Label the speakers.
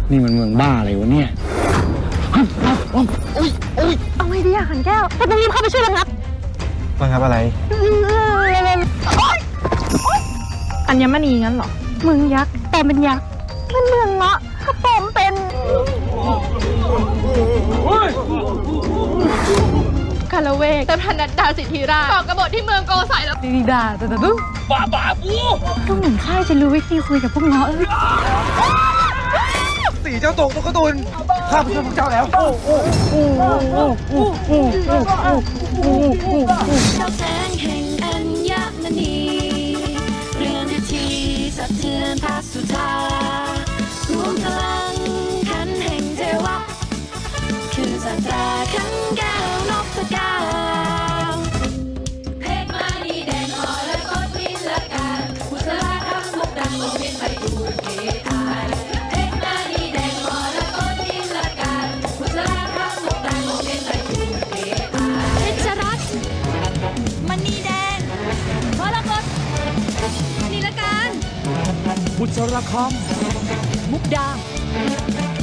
Speaker 1: นี่มันเมืองบ้าอะไรวะเนี่ย
Speaker 2: เอาไงดีอะขันแก้วเราต้องรีบเข้าไปช่วยระงับ
Speaker 1: ระงับอะไร
Speaker 2: อัญมณีงั้นเหรอเมืองยักษ์แต่เป็นยักษ์มันเมืองเงาะกระป๋อมเป็นคาราเวกแต่พนัดดาสิทธิราชก่อกบฏที่เมืองโกสัยแล้วดีดาแต่ดูบ้าปูต้องเหมือนข้าจะรู้วิธีคุยกับพวกเงาะ
Speaker 1: สีเจ้าตกตุ๊กตุนข้าไปช่วยพวกเจ้าแล้ว
Speaker 3: เจ้าแสงแห่งอัญมณีเรือนทีสะเทือนพระสุธารวมพลังขันแห่งเทวะคือศาสตราขันแก้วนพเก้าเพชรมานีแดงอ่อนและกดพิลการบุษราคำมุกดังลงเป็นไปดูเกอายเพชรมานีแดงอ่อนและกดพิลการบุษราคำมุกดังลงเป็นไปดูเกอายเพชรรัตน์มณีแดงมรกตนิลการบุษราคำมุกดา